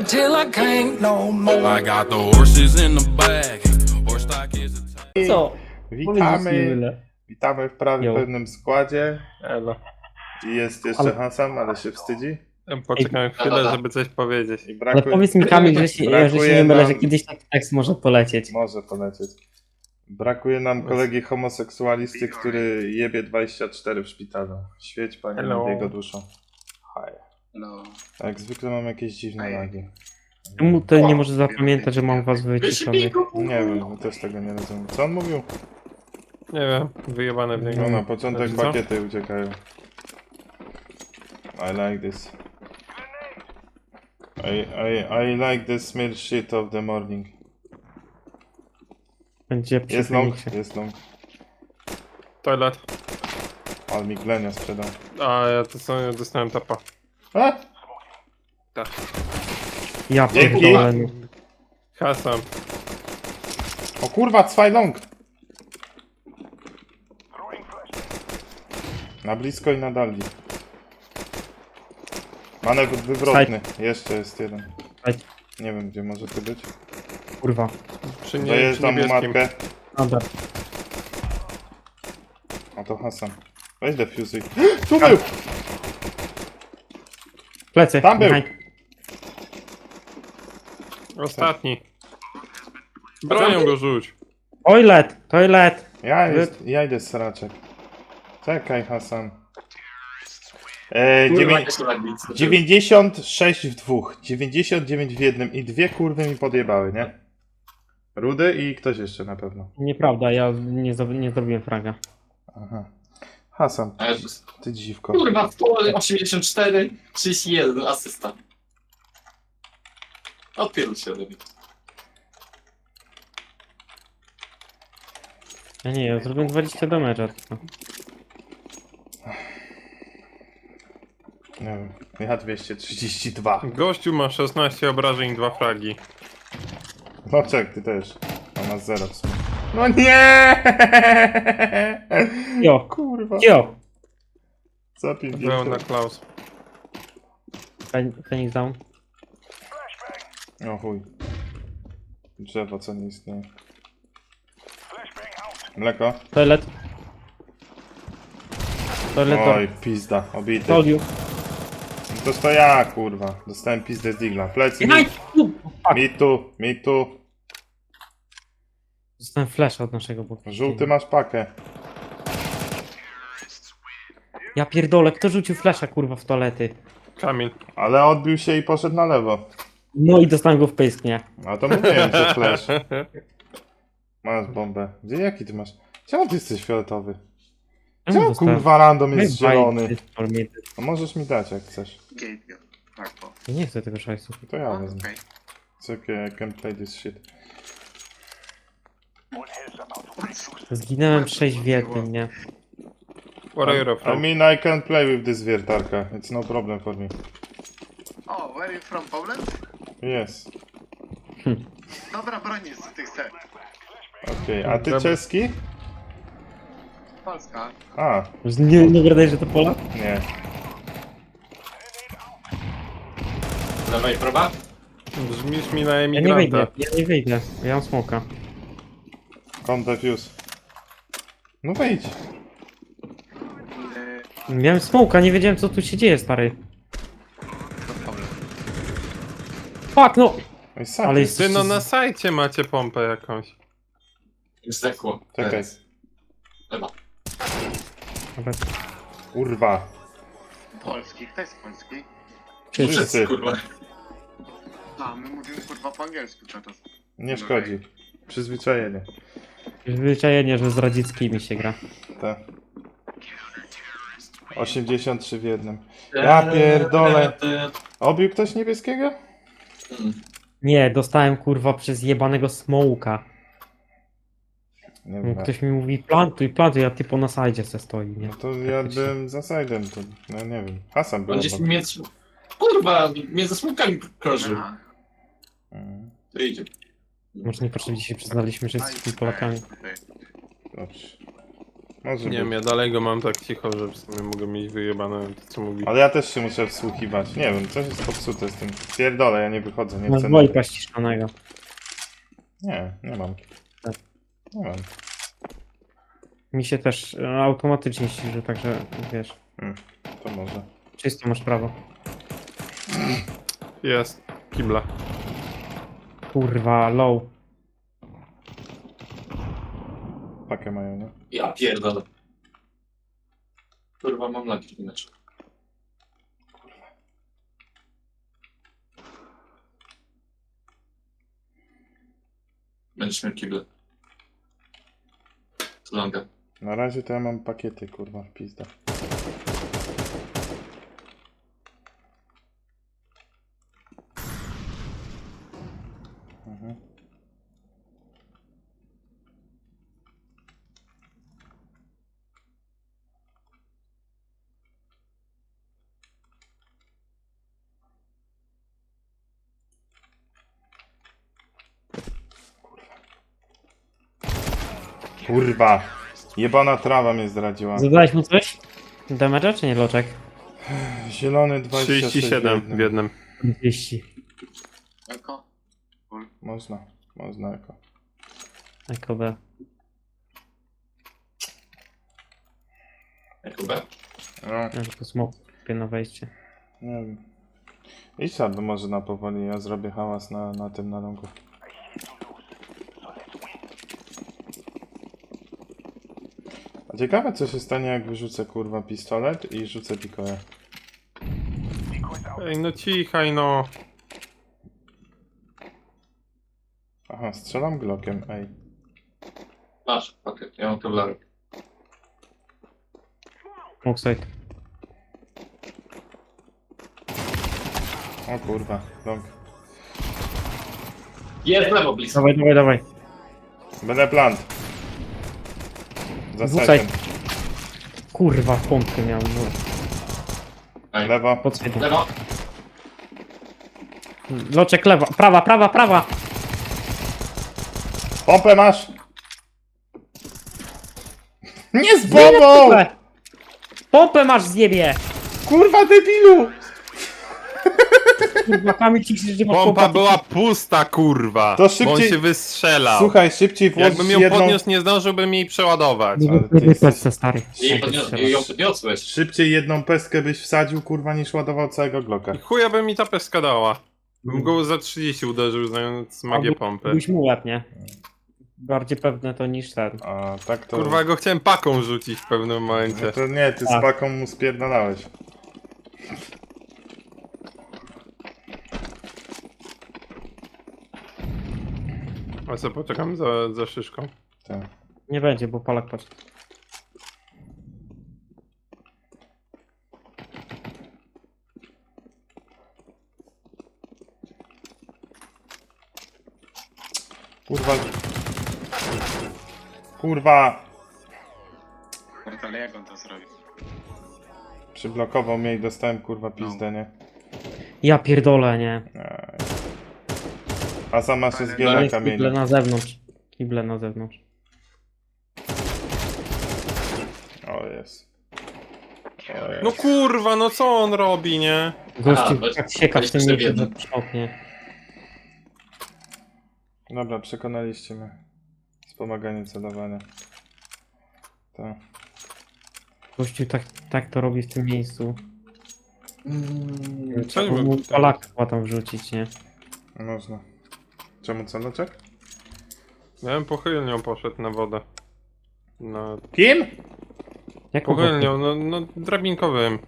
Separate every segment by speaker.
Speaker 1: till I can't no more. I got the horses in the back. Horse stock is a
Speaker 2: Co?
Speaker 3: Witamy, witamy w prawie
Speaker 2: Jo.
Speaker 3: pełnym składzie.
Speaker 4: Elo.
Speaker 3: I jest jeszcze
Speaker 2: Ale-
Speaker 3: Hasan, ale się wstydzi.
Speaker 4: Poczekaj chwilę, żeby coś powiedzieć.
Speaker 3: I
Speaker 2: Ale
Speaker 3: brakuje,
Speaker 2: powiedz mi Kamil, że się
Speaker 3: brakuje
Speaker 2: nie mylę,
Speaker 3: nam-
Speaker 2: że kiedyś taki tekst może polecieć.
Speaker 3: Może polecieć. Brakuje nam kolegi homoseksualisty, który jebie 24 w szpitalu. Świeć Panie
Speaker 4: Hello.
Speaker 3: nad jego duszą. Hi.
Speaker 5: No.
Speaker 3: Jak zwykle mam jakieś dziwne lagi.
Speaker 2: Czemu to nie może zapamiętać, że mam was wyciszonych?
Speaker 3: Nie wiem, też tego nie rozumiem. Co on mówił?
Speaker 4: Nie wiem, wyjebane w niego.
Speaker 3: No na początek
Speaker 4: Co?
Speaker 3: pakiety uciekają. I like this. I like the smell shit of the morning.
Speaker 2: Będzie przy
Speaker 3: Jest long,
Speaker 2: Feniksie.
Speaker 3: jest long.
Speaker 4: Toilet.
Speaker 3: Ale mi glenia sprzedał.
Speaker 4: A ja to sobie dostałem tapa.
Speaker 3: A?
Speaker 4: Tak.
Speaker 2: Ja
Speaker 3: Dzięki.
Speaker 2: pierdolę. no.
Speaker 4: Hasan.
Speaker 3: O kurwa, zwei long! Na blisko i na dali. Manewr wywrotny. Jeszcze jest jeden.
Speaker 2: Side.
Speaker 3: Nie wiem gdzie może tu być.
Speaker 2: Kurwa.
Speaker 4: Przy
Speaker 3: Dojeżdżam mu
Speaker 4: niebieskim.
Speaker 3: matkę.
Speaker 2: Dobra.
Speaker 3: A to Hasan. Weź defuzy. Tu był!
Speaker 2: Plecy.
Speaker 3: Tam był.
Speaker 2: behind.
Speaker 4: Ostatni. Bronią go rzuć.
Speaker 2: Toilet, toilet.
Speaker 3: Ja idę z sraczek. Czekaj Hasan.
Speaker 5: Kurwa, jakieś lagnice.
Speaker 3: 96 w dwóch, 99 w jednym i dwie kurwy mi podjebały, nie? Rudy i ktoś jeszcze na pewno.
Speaker 2: Nieprawda, ja nie zrobiłem fraga.
Speaker 3: Aha. Hasan,
Speaker 5: A Jezus.
Speaker 3: ty dziwko.
Speaker 5: Kurwa, 184, 31, asysta. Odpierdol się ode mnie.
Speaker 2: Ja zrobiłem 20 damage'a tylko.
Speaker 3: Nie wiem, ja 232.
Speaker 4: Gościu ma 16 obrażeń i 2 fragi.
Speaker 3: No czek, ty też. A masz 0 w sumie. No nie!
Speaker 2: Jo.
Speaker 3: Kurwa.
Speaker 2: Jo.
Speaker 3: Za
Speaker 4: Byłem
Speaker 3: 50.
Speaker 4: na Klaus.
Speaker 2: Phoenix down.
Speaker 3: O chuj. Drzewo co nie istnieje. Mleko?
Speaker 2: Toilet. Toilet.
Speaker 3: Oj, pizda, obity.
Speaker 2: Told you.
Speaker 3: No to ja, kurwa. Dostałem pizdę z digla. Plecy,
Speaker 2: Behind.
Speaker 3: mi tu.
Speaker 2: Dostałem flasha od naszego boku.
Speaker 3: Żółty masz pakę.
Speaker 2: Ja pierdolę, kto rzucił flasha kurwa w toalety?
Speaker 4: Kamil.
Speaker 3: Ale odbił się i poszedł na lewo.
Speaker 2: No i dostałem go w pysk, nie?
Speaker 3: A to mówiłem, że flash. Masz bombę. Gdzie, jaki ty masz? Czemu ty jesteś fioletowy? Czemu kurwa random jest zielony? No możesz mi dać jak chcesz.
Speaker 5: Gate, tak, po.
Speaker 2: Ja nie chcę tego szajsu.
Speaker 3: To ja wezmę.
Speaker 5: Okej.
Speaker 3: It's okay, I can play this shit.
Speaker 2: Zginąłem 6 w jednym, nie?
Speaker 4: What are you
Speaker 3: I
Speaker 4: from?
Speaker 3: mean I can play with this wiertarka. It's no problem for me.
Speaker 5: O, where you from, Poland?
Speaker 3: Yes.
Speaker 5: Dobra, broni z tych set.
Speaker 3: Okej, a ty
Speaker 4: Dobra.
Speaker 3: czeski?
Speaker 5: Polska.
Speaker 3: A,
Speaker 2: Nie gadaj, że to pola?
Speaker 3: nie.
Speaker 5: Lewa i prawa?
Speaker 4: Brzmisz mi na
Speaker 2: Ja nie wyjdę,
Speaker 4: emigranta.
Speaker 2: ja nie wyjdę. Ja mam smoka.
Speaker 3: Come defuse. No wejdź.
Speaker 2: Miałem smoka, nie wiedziałem co tu się dzieje, stary. Fuck, no!
Speaker 3: Oj, sam.
Speaker 2: Ale jest...
Speaker 4: Ty no na sajcie macie pompę jakąś.
Speaker 5: Zdechło.
Speaker 3: Czekaj.
Speaker 5: Teraz. Lewa.
Speaker 2: Dobra.
Speaker 3: Kurwa.
Speaker 5: Polski, kto jest polski?
Speaker 3: Wszyscy.
Speaker 5: Kurwa. A, my mówimy kurwa po angielsku cały czas.
Speaker 3: Nie szkodzi. Przyzwyczajenie.
Speaker 2: Zwyczajenie, że z radzieckimi się gra.
Speaker 3: Tak. 83 w jednym. Ja pierdolę. Obił ktoś niebieskiego?
Speaker 2: Nie, dostałem kurwa przez jebanego smoka.
Speaker 3: Nie wiem.
Speaker 2: Ktoś mi mówi plantuj, a typo na sajdzie se stoi, nie?
Speaker 3: No to ja byłem za side'em, to no nie wiem. Hasan był
Speaker 5: On gdzieś
Speaker 3: obok.
Speaker 5: między... Kurwa, między smokami krążył.
Speaker 3: Mhm.
Speaker 5: To idzie.
Speaker 2: Może niepotrzebnie się przyznaliśmy, że jesteśmy Polakami.
Speaker 3: Dobrze. Może
Speaker 4: Nie
Speaker 3: być.
Speaker 4: wiem, ja dalej go mam tak cicho, że w sumie mogę mieć wyjebane to co mówi.
Speaker 3: Ale ja też się muszę wsłuchiwać. Nie wiem, coś jest popsute z tym. Pierdolę, ja nie wychodzę, nie
Speaker 2: Masz
Speaker 3: chcę.
Speaker 2: dwojga ściskanego.
Speaker 3: Nie mam.
Speaker 2: Tak.
Speaker 3: Nie mam.
Speaker 2: Mi się też automatycznie ściży, także wiesz.
Speaker 3: To może.
Speaker 2: Czysto masz prawo.
Speaker 4: Jest. Kibla.
Speaker 2: Kurwa, low.
Speaker 3: Pakę mają, nie?
Speaker 6: Ja pierdolę. Kurwa, mam lagi w meczu. Będziesz miał kible. Longa.
Speaker 3: Na razie to ja mam pakiety, kurwa, w pizda. Mhm. Kurwa! Jebana trawa mnie zdradziła.
Speaker 2: Zadałeś mu coś? Damage'a czy nie, Loczek?
Speaker 3: Zielony 26
Speaker 4: 37 w jednym.
Speaker 2: 200.
Speaker 5: Eko.
Speaker 3: Można jako.
Speaker 2: Eko B.
Speaker 6: Jako B.
Speaker 3: No,
Speaker 2: Ja tylko smoke kupię na wejście.
Speaker 3: nie wiem. Idź sobie może na powoli, ja zrobię hałas na tym na longu. A ciekawe co się stanie jak wyrzucę kurwa pistolet i rzucę pikoję.
Speaker 4: Ej, no cichaj no.
Speaker 3: Aha, strzelam glockiem, ej.
Speaker 6: Masz, pakiet. Ja mam kevlarek.
Speaker 2: Smoke side.
Speaker 3: O kurwa, long.
Speaker 6: Jest lewo blisko.
Speaker 2: Dawaj, dawaj, dawaj.
Speaker 3: Będę plant. Za
Speaker 2: Wrzucaj.
Speaker 3: setem.
Speaker 2: Kurwa, pompkę miał. No.
Speaker 6: Ej.
Speaker 3: Lewo.
Speaker 2: Pod side.
Speaker 6: Lewo.
Speaker 2: Loczek lewa. Prawa, prawa, prawa.
Speaker 3: Pompę masz! Nie z bombą!
Speaker 2: Pompę! Pompę masz zjebie!
Speaker 3: Kurwa debilu!
Speaker 2: Kurwa, Kamil ci krzyczy, że masz
Speaker 4: Pompa
Speaker 2: pompę.
Speaker 4: była pusta, kurwa.
Speaker 3: To
Speaker 4: Bo on
Speaker 3: szybciej-
Speaker 4: się wystrzelał.
Speaker 3: Słuchaj, szybciej włącz
Speaker 4: Jakbym ją
Speaker 3: jedną...
Speaker 4: podniósł, nie zdążyłbym jej przeładować.
Speaker 2: Nie
Speaker 3: Ale ty
Speaker 2: wyprzedzaj
Speaker 3: jesteś-
Speaker 2: PC, stary.
Speaker 6: Ją podniosłeś.
Speaker 3: Szybciej jedną pestkę byś wsadził, kurwa, niż ładował całego Glocka.
Speaker 4: I chuja by mi ta peska dała. Bym go za 30 uderzył, znając magię pompy.
Speaker 2: Byś mu łeb, nie? Bardziej pewne to niż ten.
Speaker 3: A tak to...
Speaker 4: Kurwa, go chciałem paką rzucić w pewnym momencie.
Speaker 3: No to nie, ty z
Speaker 2: Tak.
Speaker 3: paką mu spierdalałeś.
Speaker 4: A co, poczekam za szyszką.
Speaker 3: Tak.
Speaker 2: Nie będzie, bo Polak patrz.
Speaker 3: Kurwa... Kurwa...
Speaker 5: Ale jak on to zrobi?
Speaker 3: Przyblokował mnie i dostałem, kurwa, pizdę, nie?
Speaker 2: Ja pierdolę, nie?
Speaker 3: Aj. A sama się
Speaker 2: No
Speaker 3: zbiera
Speaker 2: jest kible
Speaker 3: kamienie.
Speaker 2: na zewnątrz. Kible na zewnątrz.
Speaker 3: O jest. O jest.
Speaker 4: No kurwa, no co on robi, nie?
Speaker 2: Gościu
Speaker 6: weź-
Speaker 2: tak sieka w tym
Speaker 6: weź
Speaker 2: miejscu,
Speaker 6: sobie
Speaker 2: że przoknie.
Speaker 3: Dobra, przekonaliście mnie. Wspomaganie celowania. Tak.
Speaker 2: Gościu tak to robi w tym miejscu. Trzeba
Speaker 4: bym
Speaker 2: mu
Speaker 4: tutaj-
Speaker 2: Polaka chyba tam wrzucić, nie?
Speaker 3: Można. Czemu celoczek?
Speaker 4: Ja bym pochylnią poszedł na wodę. No,
Speaker 3: Kim?
Speaker 2: Jaką
Speaker 4: pochylnią, no drabinkowym.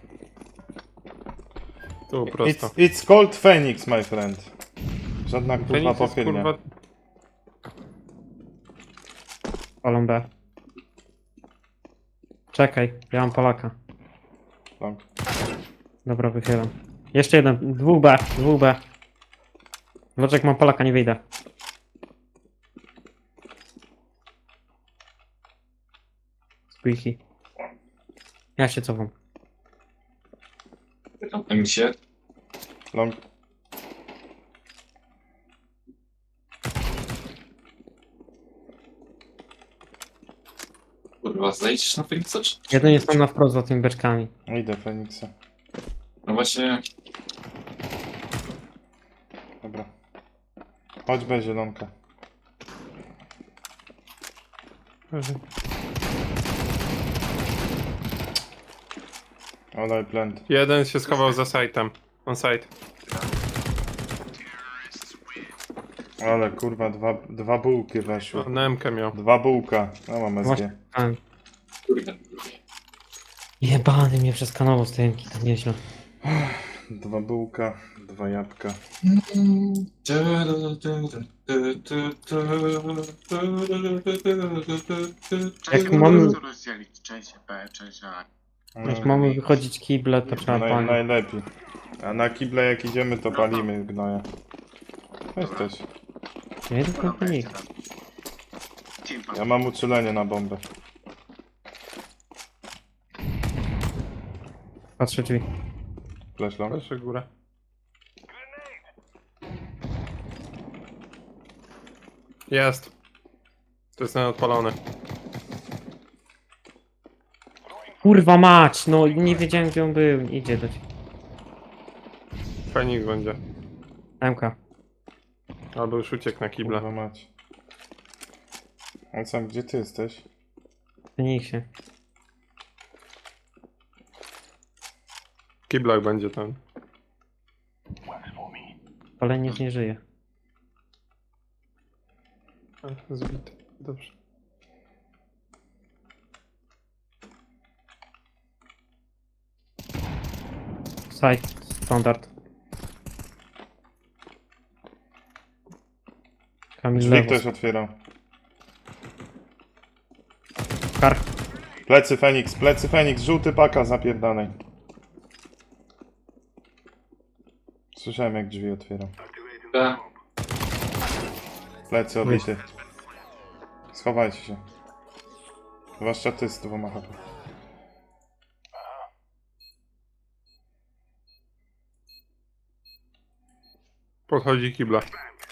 Speaker 4: Tu prosto.
Speaker 3: It's called Phoenix, my friend. Żadna kurwa
Speaker 4: Feniks jest,
Speaker 3: pochylnia.
Speaker 4: kurwa,
Speaker 2: Palą B. Czekaj, ja mam Polaka.
Speaker 3: Long.
Speaker 2: Dobra, wychylam. Jeszcze jeden, 2B, 2B. Loczek, mam Polaka, nie wyjdę. Squeaky. Ja się cofam.
Speaker 6: Tam się.
Speaker 3: Long.
Speaker 6: Kurwa, zejdziesz na Feniksa, czy?
Speaker 2: Jeden jest tam na wprost za tymi beczkami.
Speaker 3: Idę, Feniksa.
Speaker 6: No właśnie,
Speaker 3: Dobra. Chodź B, zielonka. Olaj plant.
Speaker 4: Jeden się schował za sajtem. On site.
Speaker 3: Ale kurwa, dwa bułki weszły.
Speaker 4: Na MK miał.
Speaker 3: 2 bułka. No mam SG.
Speaker 2: Właśnie.
Speaker 6: kurde.
Speaker 2: Jebany mnie przeskanował z tej to nieźle.
Speaker 3: 2 bułka, 2 jabłka.
Speaker 2: Jak mamy-
Speaker 5: To rozdzielić część B, część A.
Speaker 2: Jak mamy wychodzić kible, to trzeba palić.
Speaker 3: Najlepiej. A na kible jak idziemy, to palimy gnoja. Weź też.
Speaker 2: Nie tylko panik.
Speaker 5: Team
Speaker 3: Ja mam uczulenie na bombę.
Speaker 2: Patrzę drzwi.
Speaker 3: Flash long.
Speaker 4: Proszę górę. Jest. To jest ten odpalony.
Speaker 2: Kurwa mać, no nie wiedziałem gdzie on był. Idzie do ciebie.
Speaker 4: Feniks będzie.
Speaker 2: MK.
Speaker 4: Albo już uciekł na kibla.
Speaker 3: Kurwa mać. On sam, gdzie ty jesteś?
Speaker 2: Feniksie.
Speaker 4: W kiblach będzie ten.
Speaker 2: Paleniec nie żyje.
Speaker 4: Zbity. Dobrze.
Speaker 2: Side. Standard. Kamil
Speaker 3: Drzwi
Speaker 2: lewo.
Speaker 3: ktoś otwierał.
Speaker 2: Kar.
Speaker 3: Plecy Feniks, żółty paka zapierdanej. Słyszałem jak drzwi otwierał.
Speaker 6: Tak.
Speaker 3: Plecy obity. Schowajcie się. Zwłaszcza ty z 2 HP.
Speaker 4: Podchodzi kibla.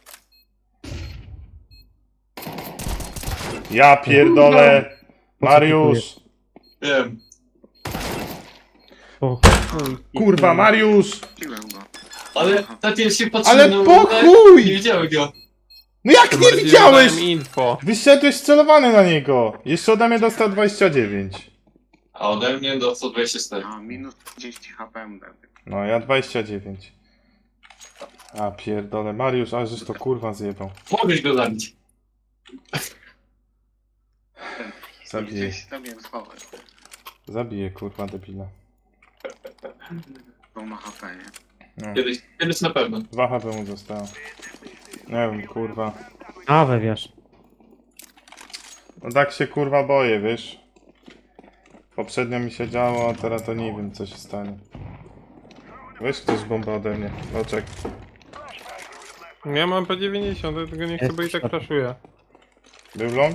Speaker 3: Ja pierdolę! Mariusz!
Speaker 6: Wiem.
Speaker 2: O,
Speaker 3: Kurwa, Mariusz!
Speaker 5: Piłem go.
Speaker 6: Ale tak ja się patrzę
Speaker 3: Ale
Speaker 6: na
Speaker 3: po
Speaker 6: ulicę,
Speaker 3: chuj!
Speaker 6: nie widziałem go.
Speaker 3: No jak nie
Speaker 4: Bardziej
Speaker 3: widziałeś?
Speaker 4: dałem info.
Speaker 3: Wyszedłeś celowany na niego. Jeszcze ode mnie dostał 29.
Speaker 6: A ode mnie do 124.
Speaker 5: A minus 30 HP mu dałem.
Speaker 3: No, ja 29. A pierdolę, Mariusz, ale żeś to kurwa zjebał.
Speaker 6: Mogłeś go zabić.
Speaker 3: Zabiję.
Speaker 5: Gdzieś tam ją schować.
Speaker 3: Zabiję kurwa debila.
Speaker 5: Bo ma HP, nie?
Speaker 3: No.
Speaker 6: Kiedyś na pewno.
Speaker 3: 2 HP mu zostało. Nie wiem, kurwa.
Speaker 2: a we wiesz.
Speaker 3: No tak się kurwa boję, wiesz. Poprzednio mi się działo, a teraz to nie wiem co się stanie. Weź ktoś bombę ode mnie. Oczek.
Speaker 4: Ja mam P90, ja tego nie chcę, bo i tak flashuję.
Speaker 3: Był long?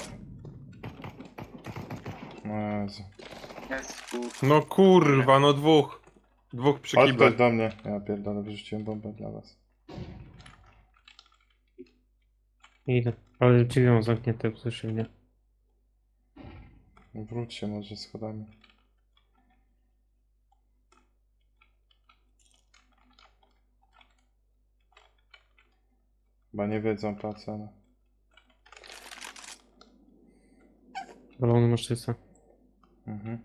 Speaker 3: No Jezu.
Speaker 5: Jest tu.
Speaker 4: No kurwa, no dwóch. Dwóch przy
Speaker 3: Chodź
Speaker 4: kiblach.
Speaker 3: ktoś do mnie. Ja pierdolę, wyrzuciłem bombę dla was.
Speaker 2: Idę. Ale drzwi mam zamknięte, usłyszy mnie.
Speaker 3: Wróć się może schodami. Chyba nie wiedzą po cenę.
Speaker 2: Balony maszczyca.
Speaker 3: Mhm.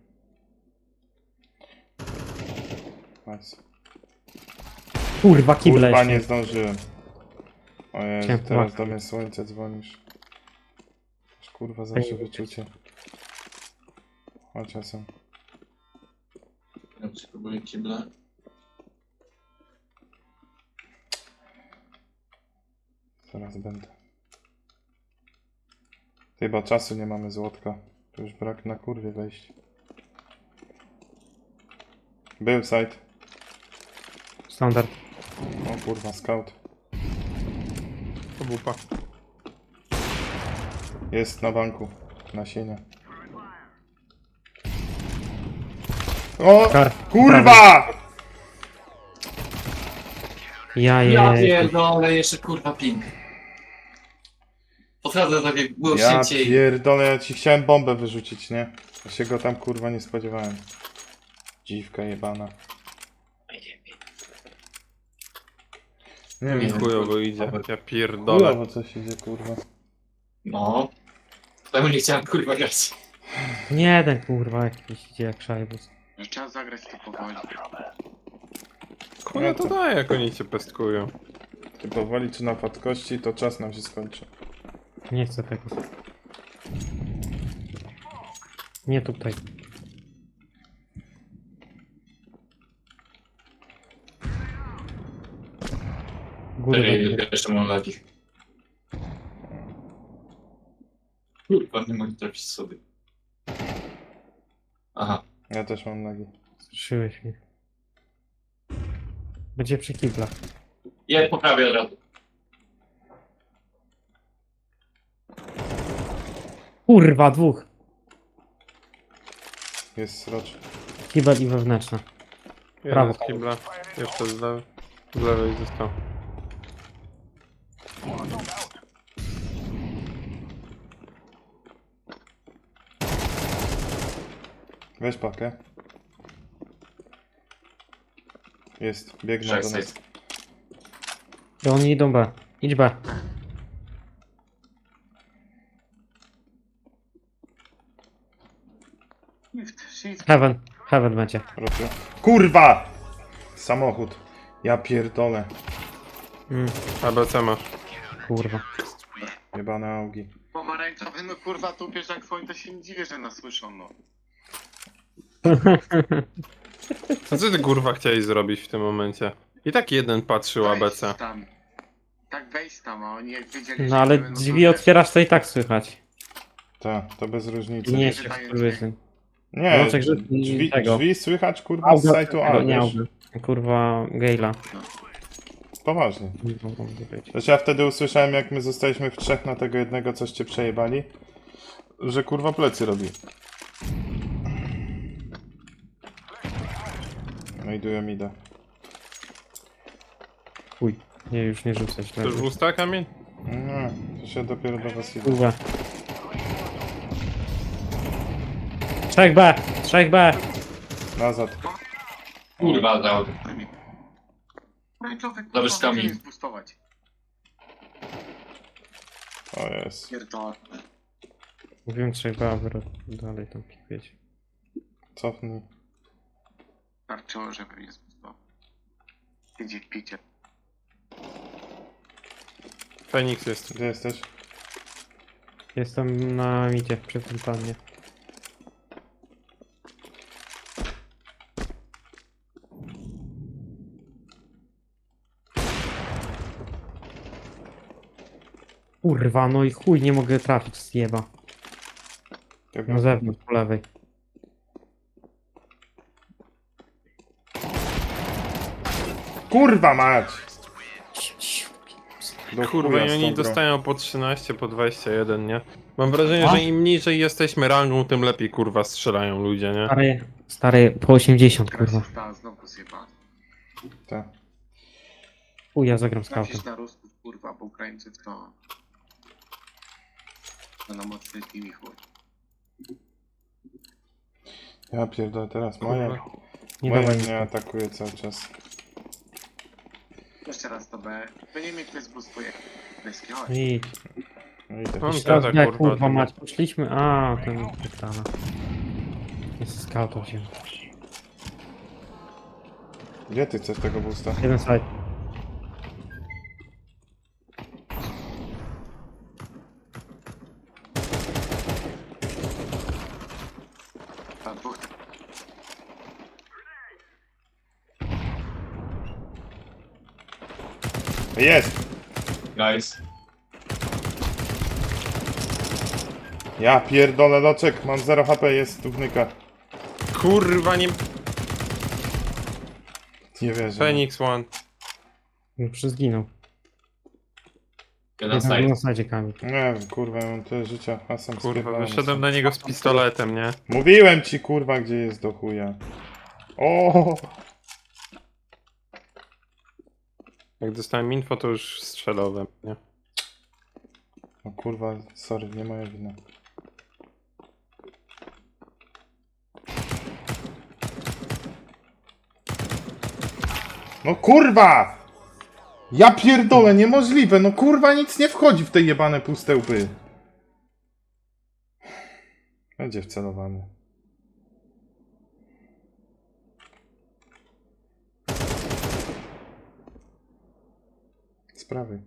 Speaker 3: Nice.
Speaker 2: Kurwa, kible
Speaker 3: Kurwa,
Speaker 2: jeszcze.
Speaker 3: nie zdążyłem. O Jezu,
Speaker 2: Chciałem
Speaker 3: teraz
Speaker 2: płakać.
Speaker 3: do mnie słońce dzwonisz. Aż kurwa zawsze wyczucie. Chodź czasem.
Speaker 6: Ja spróbuję kibla.
Speaker 3: Zaraz będę. Ty, bo czasu nie mamy złotka. Tu już brak na kurwie wejść. Był site.
Speaker 2: Standard.
Speaker 3: O kurwa, scout.
Speaker 4: Obupa.
Speaker 3: Jest na banku. Nasienia. O!
Speaker 2: Kar.
Speaker 3: Kurwa!
Speaker 2: Ja
Speaker 6: Ja
Speaker 2: je.
Speaker 6: pierdolę, jeszcze kurwa ping. Podchodzę tak jak było
Speaker 3: Ja
Speaker 6: szybciej.
Speaker 3: pierdolę, ja ci chciałem bombę wyrzucić, nie? Ja się go tam kurwa nie spodziewałem. Dziwka jebana. Nie
Speaker 4: Mi
Speaker 3: wiem,
Speaker 4: chujowo idzie, ja pierdolę.
Speaker 3: chujowo coś idzie kurwa.
Speaker 6: No. Temu nie chciałem kurwa grać.
Speaker 2: Nie ten kurwa jakiś idzie jak szajbus.
Speaker 5: Że trzeba zagrać to powoli.
Speaker 4: Chuja to daje, jak oni cię pestkują.
Speaker 3: Ty powoli czy na fatkości, to czas nam się skończy.
Speaker 2: Nie chcę tego. Nie tutaj. Góry
Speaker 6: Czekaj,
Speaker 2: będzie.
Speaker 6: jeszcze mam lagi. Kurwa, nie mogę trafić sobie. Aha.
Speaker 3: Ja też mam nagi.
Speaker 2: Straszyłeś mnie. Będzie przy kiblach.
Speaker 6: Ja poprawię od razu.
Speaker 2: Kurwa, dwóch.
Speaker 3: Jest srocz.
Speaker 2: Kibel i wewnętrzna.
Speaker 4: Jeden
Speaker 2: Brawo.
Speaker 4: z kibla, jeszcze z lewej został.
Speaker 3: Weź pakę. Jest, biegną do nas.
Speaker 2: I oni idą B. Idź B. Heaven. Heaven będzie.
Speaker 3: Proszę. Kurwa! Samochód. Ja pierdolę.
Speaker 4: ABC masz.
Speaker 2: Kurwa.
Speaker 3: Jebane augi.
Speaker 5: Pomarańczowy, no kurwa, tu wiesz jak swoim, to się nie dziwię, że nas słyszą, no.
Speaker 4: A co ty kurwa chciałeś zrobić w tym momencie? I tak jeden patrzył ABC.
Speaker 5: Wejść tam. Tak wejść tam, a oni jak wiedzieli, że
Speaker 2: No ale
Speaker 5: będą
Speaker 2: drzwi
Speaker 5: tu, wiesz,
Speaker 2: otwierasz, to i tak słychać.
Speaker 3: Tak, to bez różnicy.
Speaker 2: Nie
Speaker 5: nie
Speaker 2: się
Speaker 5: wydaje
Speaker 2: wkurwysyn.
Speaker 3: Nie,
Speaker 2: Wączek, że- tego.
Speaker 3: drzwi słychać kurwa z sajtu A,
Speaker 2: Nie
Speaker 3: wiesz?
Speaker 2: auby. Kurwa, Gale'a.
Speaker 3: Poważnie.
Speaker 2: Nie mogą być.
Speaker 3: Też ja wtedy usłyszałem, jak my zostaliśmy w trzech na tego jednego, coście przejebali, że kurwa plecy robi. No i dują mida.
Speaker 2: Chuj. Nie, już nie rzucać.
Speaker 4: To już w usta kamień?
Speaker 3: No, to się dopiero do was idzie.
Speaker 2: Kurwa. 3B! 3B!
Speaker 3: Nazad.
Speaker 6: Kurwa, dał.
Speaker 5: Pomarańczowy,
Speaker 6: Dobry
Speaker 5: kurwa,
Speaker 6: skamień.
Speaker 5: będzie zbustować.
Speaker 3: O jest.
Speaker 5: Pierdolę.
Speaker 2: Mówiłem 3B, a wy dalej tam pikujecie.
Speaker 3: Cofnij.
Speaker 5: Starczyło, żeby mnie zbustował. Idzie w picie.
Speaker 4: Feniks jest.
Speaker 3: Gdzie jesteś?
Speaker 2: Jestem na midzie, przy tym planie. Kurwa, no i chuj, nie mogę trafić z jeba. Na zewnątrz, po lewej.
Speaker 3: Kurwa mać! Do
Speaker 4: Kurwa,
Speaker 3: chuja
Speaker 4: i
Speaker 3: z
Speaker 4: oni
Speaker 3: tą grą.
Speaker 4: dostają po 13, po 21, nie? Mam wrażenie,
Speaker 2: A?
Speaker 4: że im niżej jesteśmy rangą, tym lepiej kurwa strzelają ludzie, nie?
Speaker 2: Stary, po 80,
Speaker 5: Teraz
Speaker 2: kurwa.
Speaker 5: została znowu zjebana.
Speaker 3: Tak.
Speaker 2: Chuj, ja zagram scoutem.
Speaker 5: Napisz na Rusków, kurwa, bo Ukraińcy to... To na mocny team i chuj.
Speaker 3: Ja pierdolę, teraz moje.
Speaker 4: Kurwa.
Speaker 2: Nie
Speaker 3: Moje
Speaker 2: dawaj
Speaker 3: mnie
Speaker 2: nic.
Speaker 3: atakuje cały czas.
Speaker 5: Jeszcze raz to B. To nie mnie ktoś zbustuje. Deski, chodź.
Speaker 2: I
Speaker 3: No idę.
Speaker 4: On
Speaker 2: teraz
Speaker 4: gada,
Speaker 2: jak
Speaker 4: kurwa,
Speaker 2: kurwa
Speaker 4: tym-
Speaker 2: mać, poszliśmy, a ten pytana. Jest scoutem się.
Speaker 3: Gdzie ty chcesz tego boosta?
Speaker 2: Jeden side.
Speaker 5: A dwóch
Speaker 3: Jest!
Speaker 6: Guys.
Speaker 3: Ja pierdolę loczek, mam 0 HP, jest tu wnyka.
Speaker 4: Kurwa, nie...
Speaker 3: Nie wierzę.
Speaker 4: Phoenix One.
Speaker 2: Już zginął.
Speaker 6: Jeden
Speaker 2: Jeden
Speaker 6: side.
Speaker 2: na sadzie Kamil.
Speaker 3: Nie wiem, kurwa, ja mam tyle życia, a sam
Speaker 4: Kurwa,
Speaker 3: spierdolony
Speaker 4: wyszedłem
Speaker 3: są.
Speaker 4: na niego z pistoletem, nie?
Speaker 3: Mówiłem ci, kurwa, gdzie jest do chuja. O!
Speaker 4: Jak dostałem info, to już strzelałem, nie?
Speaker 3: No kurwa, sorry, nie moja wina. No kurwa! Ja pierdolę, niemożliwe, no kurwa nic nie wchodzi w te jebane puste łby. Będzie wcelowany. Z prawej.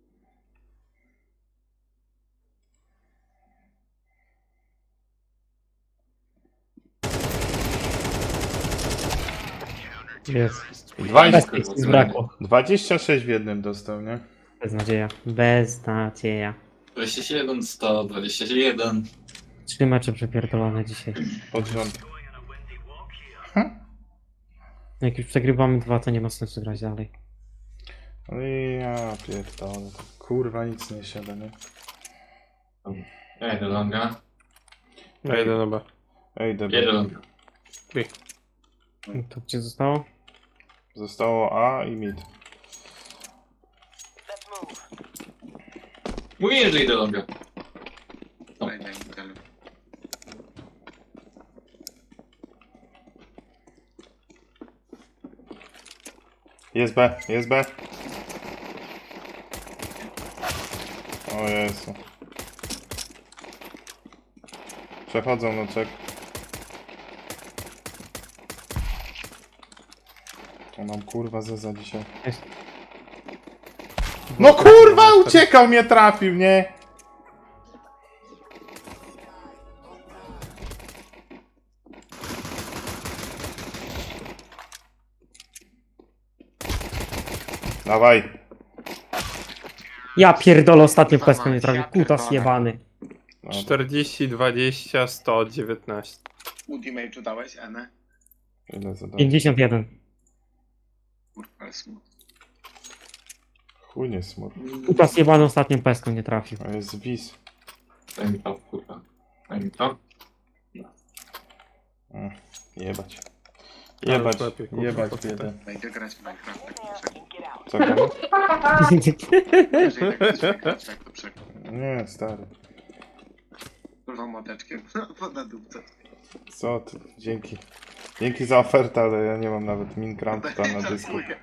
Speaker 2: Jest.
Speaker 3: 20,
Speaker 2: Zbrakło.
Speaker 3: 26 w jednym dostał, nie?
Speaker 2: Beznadzieja. Beznadzieja.
Speaker 6: 27, 121.
Speaker 2: 3 mecze przepierdolone dzisiaj.
Speaker 3: Pod rząd.
Speaker 2: Jak już przegrywamy 2, to nie ma sensu grać dalej.
Speaker 3: No i ja pierdolę. Kurwa nic nie siada, nie?
Speaker 6: Ej, do longa.
Speaker 4: Ja idę na B.
Speaker 3: Ej,
Speaker 6: Jeden
Speaker 3: dobra.
Speaker 6: longa.
Speaker 2: To gdzie zostało?
Speaker 3: Zostało A i mid.
Speaker 6: Mówię, że idę longa.
Speaker 5: Daj na Intelu.
Speaker 3: Jest B, jest B. O Jezu. Przechodzą no czek. To nam kurwa zeza dzisiaj.
Speaker 2: Jest.
Speaker 3: No kurwa uciekał, mnie trafił, nie? Dawaj.
Speaker 2: Ja pierdolę, ostatnio peskę nie trafił. Kutas jebany.
Speaker 4: 40, 20, 119.
Speaker 5: Ultimate'u dałeś, Ene?
Speaker 3: Ile zadań?
Speaker 2: 51.
Speaker 5: Kurwa, ale smutno.
Speaker 3: Chuj nie smutno.
Speaker 2: Kutas jebany ostatnią peską nie trafił.
Speaker 3: A jest wis.
Speaker 6: Daj mi to, kurwa. Daj mi to.
Speaker 3: Jebać.
Speaker 4: Ale
Speaker 3: Jebać,
Speaker 4: lepiej, kurwa,
Speaker 3: jebać
Speaker 4: po co
Speaker 3: biedę.
Speaker 5: Wejdę grać w Minecraft, tak to przekór.
Speaker 3: Co gramy?
Speaker 5: Jeżeli tak będziemy grać, tak to przekór.
Speaker 3: Nie, stary.
Speaker 5: Kurwa młoteczkiem. Na dupce.
Speaker 3: Co ty? Dzięki. Dzięki za ofertę, ale ja nie mam nawet Minecrafta na dysku.
Speaker 5: Żartuję.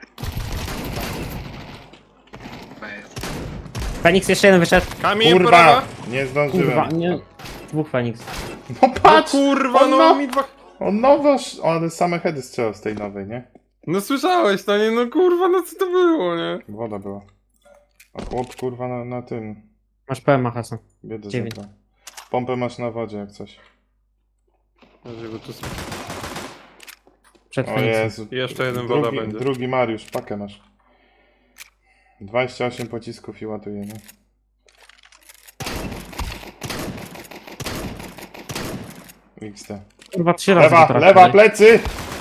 Speaker 5: Bez.
Speaker 2: Feniks jeszcze jeden wyszedł.
Speaker 4: Kamień
Speaker 3: Kurwa!
Speaker 4: prawa!
Speaker 3: Nie
Speaker 2: Kurwa,
Speaker 3: zdążyłem.
Speaker 2: nie. Dwóch Feniks.
Speaker 3: No
Speaker 4: No
Speaker 3: patrz!
Speaker 4: kurwa,
Speaker 3: on,
Speaker 4: no mi dwa...
Speaker 3: on nowo... Ale same heady strzelał z tej nowej, nie?
Speaker 4: No słyszałeś to, nie? No kurwa, no co to było, nie?
Speaker 3: Woda była. A chłop kurwa na tym.
Speaker 2: Masz PMA, Hasan.
Speaker 3: Biedę
Speaker 2: 9.
Speaker 3: zabrał. Pompę masz na wodzie jak coś.
Speaker 4: Żeby tu...
Speaker 2: Przed
Speaker 3: O
Speaker 2: Feniksem.
Speaker 3: Jezu.
Speaker 4: Jeszcze jeden woda
Speaker 3: drugi,
Speaker 4: będzie.
Speaker 3: drugi Mariusz, pakę masz. 28 pocisków i ładuje, nie? XD.
Speaker 2: Kurwa, 3 razy
Speaker 3: Lewa,
Speaker 2: go trafił.
Speaker 3: lewa, plecy!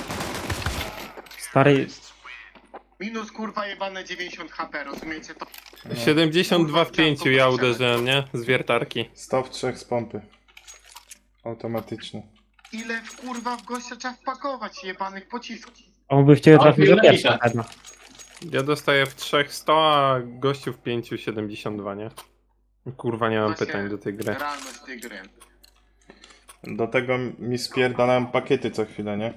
Speaker 2: Stary,
Speaker 5: Minus kurwa jebane 90 HP, rozumiecie to?
Speaker 4: 72 w 5 ja uderzyłem, nie? Z wiertarki.
Speaker 3: 100 w 3 z pompy. Automatyczny.
Speaker 5: Ile w kurwa w gościa trzeba wpakować jebanych pocisków?
Speaker 2: on by w ciebie
Speaker 6: A,
Speaker 2: trafił za
Speaker 6: chwilę,
Speaker 2: pierwsze.
Speaker 6: chwilę.
Speaker 4: Ja dostaję w 3 100, a gościu w 5 72, nie? Kurwa, nie mam
Speaker 5: Właśnie
Speaker 4: pytań do tej gry.
Speaker 5: Realność tej gry.
Speaker 3: Do tego mi spierdalają pakiety co chwilę, nie?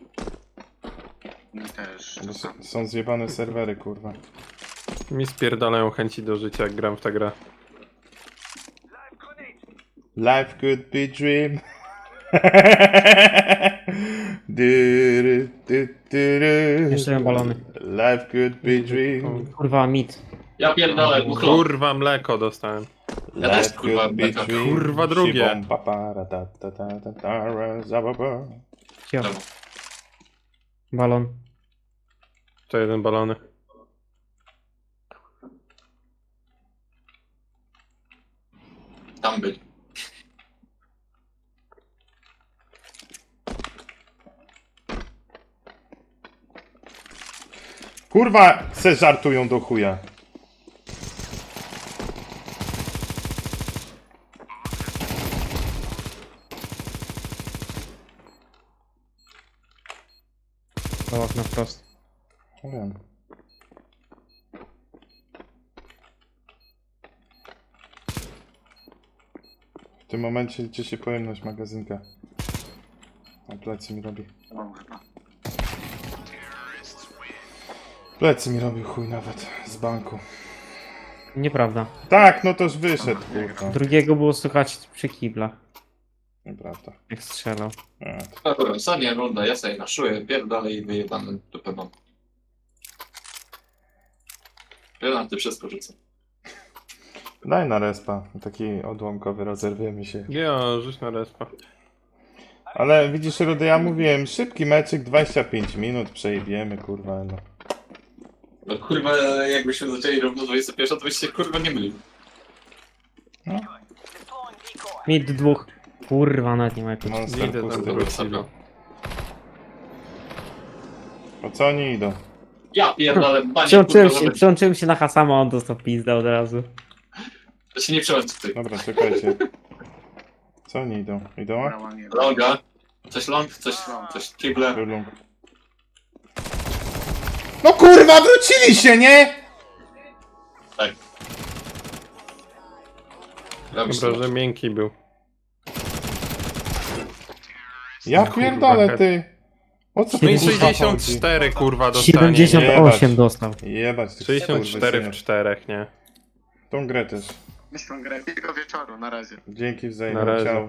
Speaker 5: Mi też.
Speaker 3: Bo są zjebane serwery, kurwa.
Speaker 4: Mi spierdalają chęci do życia, jak gram w tę grę.
Speaker 3: Life could be dream. Dyry, dy, dyry.
Speaker 2: Jeszcze jeden balony.
Speaker 3: Life could be dream.
Speaker 2: Kurwa, mit.
Speaker 6: Ja pierdolę, buchlo.
Speaker 4: Kurwa, mleko dostałem.
Speaker 6: Ja też,
Speaker 3: Life
Speaker 6: kurwa,
Speaker 3: could be
Speaker 6: beka.
Speaker 3: dream.
Speaker 4: Kurwa, drugie.
Speaker 3: Shibom, papara, ta, ta, ta, ta, ta, ra, za, ba, ba.
Speaker 2: Cio.
Speaker 6: Dobra.
Speaker 2: Balon.
Speaker 4: To jeden balony.
Speaker 6: Tam byli.
Speaker 3: Kurwa, se żartują do chuja.
Speaker 2: To okno wprost.
Speaker 3: Wiem. tym momencie liczy się pojemność magazynka. A plecy mi robi.
Speaker 5: Mam chyba.
Speaker 3: Plecy mi robił chuj nawet z banku.
Speaker 2: Nieprawda.
Speaker 3: Tak, no toż wyszedł, kurwa.
Speaker 2: Drugiego było słychać przy kiblach,
Speaker 3: Nieprawda.
Speaker 2: jak strzelał.
Speaker 3: A,
Speaker 6: Dobra, ostatnia runda, ja sobie naszuję, pierdolę i wyjebany dupę mam. Granaty wszystko rzucę.
Speaker 3: daj na respa. Taki odłamkowy, rozerwiemy się.
Speaker 4: Ja, rzuć na respa.
Speaker 3: Ale widzisz, Rudy, ja mówiłem, szybki meczyk, 25 minut, przejebiemy, kurwa, no.
Speaker 6: No kurwa, jakbyśmy zaczęli równo 21, to byś się kurwa nie mylił.
Speaker 2: Mid dwóch. Kurwa, nawet nie ma jakoś.
Speaker 3: Monster
Speaker 4: Idę tam
Speaker 3: pusty.
Speaker 4: do Rosji.
Speaker 3: Po co oni idą?
Speaker 6: Ja pierdolę, panie
Speaker 2: Przyłączyłem się na Hasama, on dostał pizdę od razu.
Speaker 6: To się nie przełączy ty.
Speaker 3: Dobra, czekajcie. Co oni idą? Idą?
Speaker 5: Brała nie.
Speaker 6: Longa. Coś long, coś kible.
Speaker 3: Rulung. No kurwa, wrócili się, nie?
Speaker 6: Robisz
Speaker 4: Dobra,
Speaker 6: to.
Speaker 4: że miękki był.
Speaker 3: Ja
Speaker 4: Kurwa,
Speaker 3: pierdolę,
Speaker 4: head.
Speaker 3: ty. O co
Speaker 4: No i
Speaker 3: tu kurwa
Speaker 4: 64 kurwa dostanie.
Speaker 2: 78
Speaker 3: Jebać.
Speaker 2: dostał.
Speaker 3: chodzi? Jebać tych
Speaker 4: 64 w
Speaker 3: skurwysyny.
Speaker 4: 4, nie?
Speaker 3: Tą grę też.
Speaker 5: Myślę, grę. Miłego wieczoru, na razie.
Speaker 3: Dzięki
Speaker 4: Na
Speaker 3: wzajemnie
Speaker 4: razie.
Speaker 3: ciał.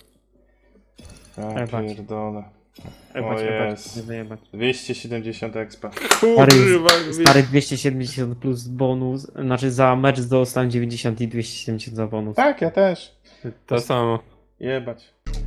Speaker 3: Ja
Speaker 2: Jebać.
Speaker 3: pierdolę.
Speaker 2: Jebać,
Speaker 3: O
Speaker 2: jebać,
Speaker 3: jest.
Speaker 2: nie wyjebać.
Speaker 3: 270 expa.
Speaker 4: Kurwa,
Speaker 2: Stary 270 plus bonus, znaczy za mecz dostałem 90 i 270 za bonus.
Speaker 3: Tak, ja też.
Speaker 4: to samo.
Speaker 3: Jebać.